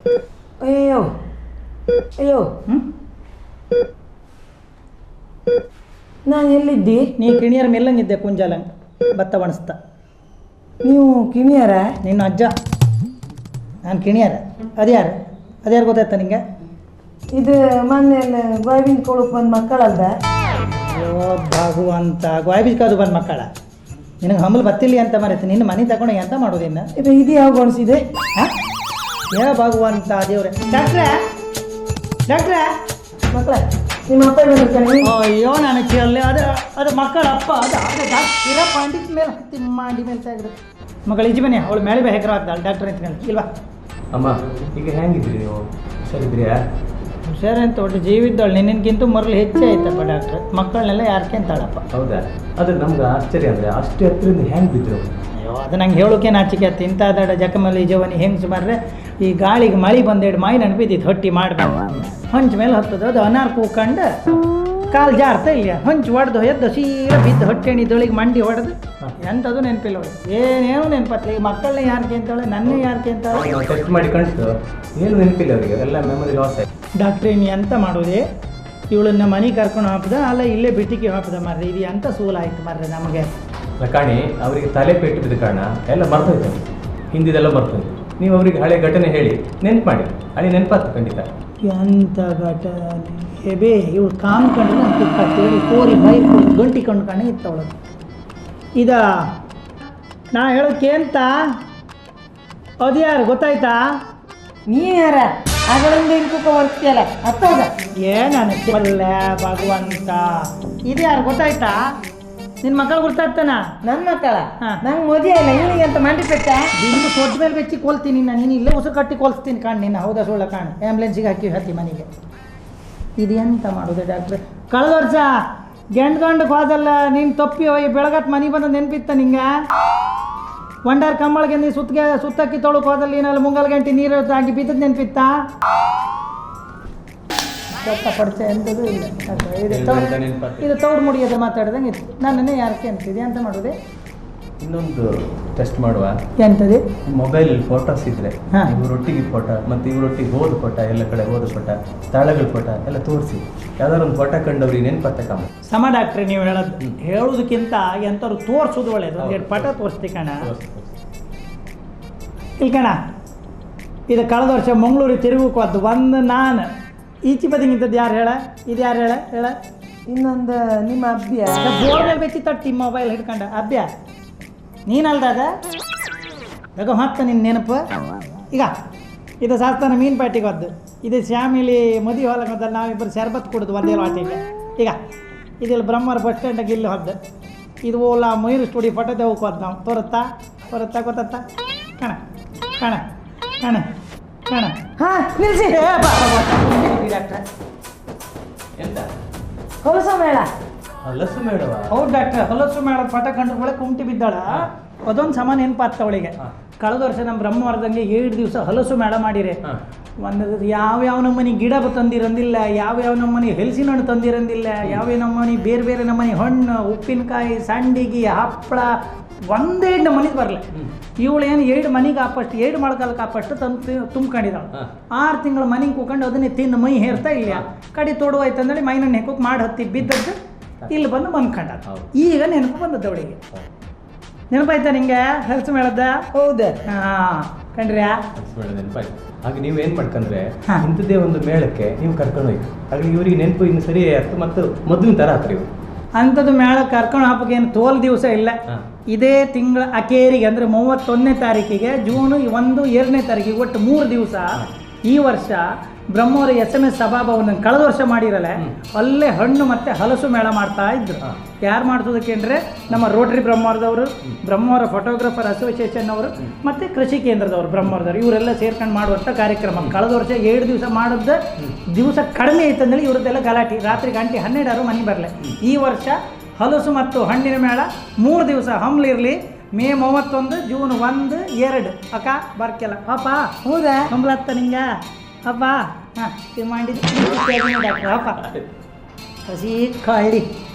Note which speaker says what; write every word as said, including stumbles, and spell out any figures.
Speaker 1: ಅಯ್ಯೋ ಅಯ್ಯೋ
Speaker 2: ಹ್ಞೂ
Speaker 1: ನಾನು ಎಲ್ಲಿದ್ದಿ?
Speaker 2: ನೀ ಕಿಣಿಯರ ಮೆಲ್ಲಂಗಿದ್ದೆ ಕುಂಜಾಲ ಭತ್ತ ಒಣಸ್ತಾ.
Speaker 1: ನೀವು ಕಿಣಿಯರ?
Speaker 2: ನಿನ್ನ ಅಜ್ಜ. ನಾನು ಕಿಣಿಯರ. ಅದ್ಯಾರು ಅದ್ಯಾರು ಗೊತ್ತಾಯ್ತಾ ನಿಂಗೆ?
Speaker 1: ಇದು ಮೊನ್ನೆ ಗೋವಿಂದ ಕೊಳಕ್ಕೆ ಬಂದ ಮಕ್ಕಳಲ್ದ?
Speaker 2: ಅಯ್ಯೋ ಭಗವಂತ ಗೋಯ್ಬಿಕಾದು ಬಂದ ಮಕ್ಕಳ. ನಿನಗೆ ಹಂಬಲ್ ಬತ್ತಿಲ್ಲ ಅಂತ ಮರೆತು ನಿನ್ನ ಮನೆ ತಗೊಂಡು ಎಂತ ಮಾಡೋದಿನ್ನ?
Speaker 1: ಇದು ಇದು ಯಾವ ಗೊಣಿಸಿದೆ?
Speaker 2: ಹಾಂ ಏ ಭಗವಂತ ದೇವ್ರೆ. ಡಾಕ್ಟ್ರೇ ಡಾಕ್ಟ್ರೇ
Speaker 1: ಮಕ್ಕಳ ನಿಮ್ಮ ಅಪ್ಪ ಬಂದಿರ್ತಾನೆ.
Speaker 2: ಅಯ್ಯೋ ನಾನು ಕೇಳಲಿ. ಅದು ಅದು ಮಕ್ಕಳ ಅಪ್ಪ ಅದು ಅದು ಡಾಕ್ಟರ್ ಪಾಂಡಿತ್ ಮೇಲೆ ಹತ್ತಿ ಮಾಡಿ ಮೇಲೆ ತೆಗೆದು ಮಗಳು ಇಜಿ ಬನ್ನಿ ಅವಳು ಮೇಲೆ ಬೇ ಹೆಗ್ರ ಆಗ್ತಾಳೆ ಡಾಕ್ಟರ್ ಅಂತ ಇಲ್ವಾ?
Speaker 3: ಅಮ್ಮ ಈಗ ಹೆಂಗಿದ್ರಿ ನೀವು? ಹುಷಾರಿದ್ರಿಯಾ?
Speaker 2: ಹುಷಾರು ಅಂತ ಒಟ್ಟು ಜೀವಿದ್ದವಳು ನಿನ್ನಕ್ಕಿಂತ ಮರಳು ಹೆಚ್ಚೇ ಆಯ್ತಪ್ಪ ಡಾಕ್ಟ್ರ್. ಮಕ್ಕಳನ್ನೆಲ್ಲ ಯಾರಕ್ಕೆ ಅಂತಾಳಪ್ಪ.
Speaker 3: ಹೌದಾ? ಆದರೆ ನಮ್ಗೆ ಆಶ್ಚರ್ಯ ಅಂದರೆ ಅಷ್ಟು ಹತ್ತಿರದಿಂದ ಹೆಂಗೆ ಬಿದ್ದರು?
Speaker 2: ಅಯ್ಯೋ ಅದು ನಂಗೆ ಹೇಳೋಕೆ ನಾಚಿಕೆ ಆಯ್ತು. ಇಂಥ ದಡ ಜಕಮಲ್ಲಿ ಜವನಿ ಹೆಂಗೆ ಸುಮಾರ್ರೆ ಈ ಗಾಳಿಗೆ ಮಳೆ ಬಂದೇಡು ಮಾಯಿ ನೆನಪಿದ್ದಿತ್ತು ಹೊಟ್ಟಿ ಮಾಡಬೇಕು ಹೊಂಚ ಮೇಲೆ ಹತ್ತದ ಅದು ಅನಾರ್ ಕೂಕೊಂಡು ಕಾಲು ಜಾರ್ತಾ ಇಲ್ಲ ಹೊಂಚು ಹೊಡೆದು ಎದ್ದು ಸೀರ ಬಿದ್ದು ಹೊಟ್ಟೆಣಿದೊಳಗೆ ಮಂಡಿ ಹೊಡೆದು ಎಂಥದ್ದು ನೆನಪಿಲ್ಲ ಅವಳು. ಏನೇನು ನೆನಪತ್ತಲ್ಲ. ಈ ಮಕ್ಕಳನ್ನ ಯಾರಿಗೆ ಅಂತಾಳೆ ನನ್ನೇ ಯಾರಿಗೆ ಅಂತಾಳೆ.
Speaker 3: ಟೆಸ್ಟ್ ಮಾಡಿ ಕಣ್ತು ಏನು ನೆನಪಿಲ್ಲ ಅವರಿಗೆ, ಎಲ್ಲ ಮೆಮೊರಿ ಲಾಸ್ ಆಯ್ತು.
Speaker 2: ಡಾಕ್ಟ್ರೇ ನೀ ಎಂತ ಮಾಡೋದೆ? ಇವಳನ್ನ ಮನೆ ಕರ್ಕೊಂಡು ಹಾಕಿದ ಅಲ್ಲ ಇಲ್ಲೇ ಬಿಟ್ಟಿಗೆ ಹಾಕಿದ ಮಾರ್ರೆ. ಇದು ಎಂಥ ಸೂಲಾಯ್ತು ಮಾರ್ರೆ ನಮಗೆ.
Speaker 3: ಕಾಣಿ ಅವರಿಗೆ ತಲೆ ಪೆಟ್ಟು ಬಿದ್ದ ಕಾರಣ ಎಲ್ಲ ಮರ್ತೋಯ್ತು, ಹಿಂದಿದೆಲ್ಲ ಮರ್ತೋಯ್ತು. ನೀವು ಅವರಿಗೆ ಹಳೆ ಘಟನೆ ಹೇಳಿ ನೆನ್ಪು ಮಾಡಿ, ಹಳೆ ನೆನಪಾತು ಖಂಡಿತ.
Speaker 2: ಎಂಥ ಘಟನೆ ಬೇ ಇವಳು ಕಾಮ್ಕೊಂಡು ಅಂತೇಳಿ ಕೋರಿ ಬೈ ಗಂಟಿ ಕೊಂಡ್ಕೊಂಡು ಇತ್ತವಳು. ಇದ ನಾ ಹೇಳೋಕೆ ಅಂತ ಅದು ಯಾರು ಗೊತ್ತಾಯ್ತಾ?
Speaker 1: ನೀ ಯಾರ ಆಗಳಿಂದ ಇನ್ಕೂಕ ಬರ್ತೀಯಲ್ಲ ಅತ್ತೋದ
Speaker 2: ಏನಲ್ಲ ಭಗವಂತ. ಇದು ಯಾರು ಗೊತ್ತಾಯ್ತಾ? ನಿನ್ನ ಮಕ್ಕಳು ಗೊತ್ತಾಗ್ತಾನ?
Speaker 1: ನನ್ನ ಮಕ್ಕಳ
Speaker 2: ಹಾ.
Speaker 1: ನಂಗೆ ಮದುವೆ ಇಲ್ಲ ಇವನಿಗೆ ಅಂತ ಮಂಡಿ ಪೆಟ್ಟ
Speaker 2: ನಿನ್ನ ಸೊಡ್ಡ ಮೇಲೆ ಬೆಚ್ಚಿ ಕೊಲ್ತೀನಿ ನಾನು. ನೀನು ಇಲ್ಲೇ ಉಸಿರು ಕಟ್ಟಿ ಕೊಲ್ಸ್ತೀನಿ ಕಾಣ್ ನಿನ್ನ. ಹೌದಾ ಸುಳ್ಳ ಕಾಣ್. ಆ್ಯಂಬುಲೆನ್ಸಿಗೆ ಹಾಕಿ ಹತ್ತಿ ಮನೆಗೆ. ಇದು ಎಂತ ಮಾಡೋದು ಡಾಕ್ಟ್ರೆ? ಕಳೆದ ವರ್ಷ ಗಂಡು ಗಂಡಕ್ಕೆ ಹೋದಲ್ಲ ನೀನು ತಪ್ಪಿ ಹೋಗಿ ಬೆಳಗತ್ತು ಮನೆ ಬಂದು ನೆನಪಿತ್ತ ನಿಂಗೆ? ಒಂಡಾರ್ ಕಂಬಳಿಗೆ ನೀ ಸುತ್ತಿಗೆ ಸುತ್ತಕ್ಕಿ ತೊಳಕ್ಕೆ ಹೋದಲ್ಲಿ ಏನಲ್ಲಿ ಮುಂಗಲ್ ಗಂಟೆ ನೀರು ಆಗಿ ಬಿದ್ದದ್ದು ನೆನಪಿತ್ತಾ? ಪಡಿಸ ಎಂಥದ್ದು ಇಲ್ಲ. ಇದು ತೌಡು ಮುಡಿಯೋದು ಮಾತಾಡ್ದಂಗೆ ಇತ್ತು. ನನ್ನನ್ನೇ ಯಾರಕ್ಕೆ ಅಂತಿದೆ ಅಂತ ಮಾಡೋದೆ?
Speaker 3: ಇನ್ನೊಂದು ಟೆಸ್ಟ್ ಮಾಡುವ.
Speaker 2: ಎಂಥದ್ದು?
Speaker 3: ಮೊಬೈಲ್ ಫೋಟೋಸ್ ಇದ್ರೆ
Speaker 2: ಹಾ.
Speaker 3: ಇವರೊಟ್ಟಿಗೆ ಫೋಟೋ ಮತ್ತು ಇವರೊಟ್ಟಿಗೆ ಹೋದ ಫೋಟೋ, ಎಲ್ಲ ಕಡೆ ಹೋದ ಫೋಟೋ, ಸ್ಥಳಗಳ ಫೋಟೋ ಎಲ್ಲ ತೋರಿಸಿ ಯಾವ್ದಾದ್ರು ಒಂದು ಫೋಟೋ ಕಂಡವ್ರಿಗೆ ನೆನಪತ್ತಕ್ಕಮ್ಮ.
Speaker 2: ಸಮ ಡಾಕ್ಟ್ರೆ ನೀವು ಹೇಳೋದು ಹೇಳೋದಕ್ಕಿಂತ ಎಂಥವ್ರು ತೋರಿಸೋದು ಒಳ್ಳೇದು. ಒಂದು ಎರಡು ಪಟ ತೋರಿಸ್ತಿ ಕಣ. ಇಲ್ಲಿ ಕಣ ಇದು ಕಳೆದ ವರ್ಷ ಮಂಗಳೂರಿಗೆ ತಿರುಗಕ್ಕೆ ಹೋದ್ದು ಒಂದು ನಾನು ಈಚೆ ಬದಿಗಿಂತದ್ದು ಯಾರು ಹೇಳ? ಇದು ಯಾರು ಹೇಳ ಹೇಳ?
Speaker 1: ಇನ್ನೊಂದು ನಿಮ್ಮ ಅಭ್ಯ
Speaker 2: ಬೋರ್ ಮೇಲೆ ಬೆಚ್ಚಿ ತಟ್ಟಿ ಮೊಬೈಲ್ ಹಿಡ್ಕೊಂಡ ಅಭ್ಯ ನೀನಲ್ದಾಗ ಬೇಗ ಹೊತ್ತ ನಿನ್ನ ನೆನಪು. ಈಗ ಇದು ಶಾಸ್ತಾನ ಮೀನು ಪ್ಯಾಟಿಗೆ ಹೋದ್ದು. ಇದು ಶ್ಯಾಮಿಲಿ ಮದುವೆ ಹೊಲಕ್ಕೆ ಹೋದಲ್ಲಿ ನಾವಿಬ್ಬರು ಶರ್ಬತ್ ಕುಡಿದು ಒಂದೇ ವಾಟಿಗೆ. ಈಗ ಇದೆಲ್ಲ ಬ್ರಹ್ಮರ ಬಸ್ ಸ್ಟ್ಯಾಂಡಾಗ ಇಲ್ಲಿ ಹೋದ್ದು. ಇದು ಓಲಾ ಮಯೂರು ಸ್ಟುಡಿಯೋ ಫೋಟೋ ದೇವಕ್ಕೆ ಹೋದ್ ನಾವು. ತೋರುತ್ತಾ ಬರುತ್ತಾ ಗೊತ್ತಾ? ಕಣ ಕಣ ಕಣ ಕಣ
Speaker 1: ಹಾ ನಿಲ್ಸಿ.
Speaker 2: ಡಾಕ್ಟ್ರೆ
Speaker 3: ಎಂತ
Speaker 1: ಹೊಲಸ ಮೇಳ
Speaker 3: ಹಲಸು ಮೇಡವ?
Speaker 2: ಹೌದು ಡಾಕ್ಟ್ರೆ. ಹೊಲಸು ಮೇಳ ಪಟ ಕಂಡು ಒಳಗೆ ಕುಂಟಿ ಬಿದ್ದಾಳ. ಅದೊಂದು ಸಮ ನೆನಪಾಗ್ತ ಅವಳಿಗೆ. ಕಳೆದ ವರ್ಷ ನಮ್ಮ ಬ್ರಹ್ಮವರದಂಗೆ ಏಳು ದಿವಸ ಹಲಸು ಮೇಳ ಮಾಡಿರಿ. ಒಂದು ಯಾವ್ಯಾವ ನಮ್ಮನೆ ಗಿಡ ತಂದಿರಂದಿಲ್ಲ, ಯಾವ್ಯಾವ ನಮ್ಮನೆ ಹೆಲ್ಸಿನ ಹಣ್ಣು ತಂದಿರಂದಿಲ್ಲ, ಯಾವ್ಯಾವ ನಮ್ಮನೆ ಬೇರೆ ಬೇರೆ ನಮ್ಮನೆ ಹಣ್ಣು, ಉಪ್ಪಿನಕಾಯಿ, ಸಂಡಿಗೆ, ಹಪ್ಪಳ ಒಂದೇ ನಮ್ಮನೆಗೆ ಬರಲ್ಲ. ಇವಳು ಏನು ಏಳು ಮನೆಗೆ ಆಪಷ್ಟು ಏಳು ಮೊಳಕಾಲಕ್ಕೆ ಆಪಷ್ಟು ತಂದು ತುಂಬ್ಕೊಂಡಿದ್ದಾಳು. ಆರು ತಿಂಗಳು ಮನೆಗೆ ಕೂಕೊಂಡು ಅದನ್ನೇ ತಿಂದು ಮೈ ಹೇರ್ತಾ ಇಲ್ಲ. ಕಡೆ ತೊಡುವಾಯ್ತು ಅಂದೇಳಿ ಮೈನ ನೆಕ್ಕೋಕೆ ಮಾಡಿ ಹತ್ತಿ ಬಿದ್ದದ್ದು ಇಲ್ಲಿ ಬಂದು ಬಂದ್ಕೊಂಡ. ಈಗ ನೆನಪು ಬಂದದ್ದು ಅವಳಿಗೆ. ನೆನಪಾಯ್ತಾ ನಿಂಗೆ ಹಲಸು ಮೇಳದ?
Speaker 1: ಹೌದು.
Speaker 2: ಹಾಂ ಕಂಡ್ರ್ಯಾ?
Speaker 3: ನೆನಪಾಯ್ತು. ಹಾಗೆ ನೀವು ಏನು ಮಾಡ್ಕೊಂಡ್ರೆ ಇಂಥದ್ದೇ ಒಂದು ಮೇಳಕ್ಕೆ ನೀವು ಕರ್ಕೊಂಡು ಹೋಯ್ತು. ಹಾಗೆ ಇವರಿಗೆ ನೆನಪು ಇನ್ನು ಸರಿ ಆಯ್ತು ಮತ್ತು ಮೊದಲಿನ ಥರ ಆತ್ರಿ ಇವರು.
Speaker 2: ಅಂಥದ್ದು ಮೇಳ ಕರ್ಕೊಂಡು ಹಾಕೋಕೆ ಏನು ತೋಲ್ ದಿವಸ ಇಲ್ಲ. ಇದೇ ತಿಂಗಳ ಅಕೇರಿಗೆ ಅಂದರೆ ಮೂವತ್ತೊಂದನೇ ತಾರೀಕಿಗೆ ಜೂನ್ ಒಂದು ಎರಡನೇ ತಾರೀಕಿಗೆ ಒಟ್ಟು ಮೂರು ದಿವಸ ಈ ವರ್ಷ ಬ್ರಹ್ಮವರ ಎಸ್ ಎಮ್ ಎಸ್ ಸಭಾಭವನ ಕಳೆದ ವರ್ಷ ಮಾಡಿರಲ್ಲ ಅಲ್ಲೇ ಹಣ್ಣು ಮತ್ತು ಹಲಸು ಮೇಳ ಮಾಡ್ತಾ ಇದ್ರು. ಯಾರು ಮಾಡ್ಸೋದಕ್ಕೆ ಅಂದರೆ ನಮ್ಮ ರೋಟರಿ ಬ್ರಹ್ಮವರದವರು, ಬ್ರಹ್ಮವರ ಫೋಟೋಗ್ರಾಫರ್ ಅಸೋಸಿಯೇಷನ್ ಅವರು ಮತ್ತು ಕೃಷಿ ಕೇಂದ್ರದವರು ಬ್ರಹ್ಮವರದವರು ಇವರೆಲ್ಲ ಸೇರ್ಕೊಂಡು ಮಾಡುವಂಥ ಕಾರ್ಯಕ್ರಮ. ಕಳೆದ ವರ್ಷ ಏಳು ದಿವಸ ಮಾಡಿದ ದಿವಸ ಕಡಿಮೆ ಐತಂದೇಳಿ ಇವ್ರದ್ದೆಲ್ಲ ಗಲಾಟೆ. ರಾತ್ರಿ ಗಂಟೆ ಹನ್ನೆರಡಾರು ಮನೆ ಬರಲಿ. ಈ ವರ್ಷ ಹಲಸು ಮತ್ತು ಹಣ್ಣಿನ ಮೇಳ ಮೂರು ದಿವಸ ಹಮ್ಲಿರಲಿ. ಮೇ ಮೂವತ್ತೊಂದು, ಜೂನ್ ಒಂದು ಎರಡು ಅಕ್ಕ ಬರ್ಕೆಲ್ಲ ಪಾಪ.
Speaker 1: ಹೌದಾ?
Speaker 2: ಹಂಬಲತ್ತ ನಿಂಗೆ ಅಪ್ಪ ಹಾಂ ಇದು ಮಾಡಿದ್ದು ಡಾಕ್ಟ್ರ ಅಪ್ಪ ಹಸಿ ಕಳ್ಳಿ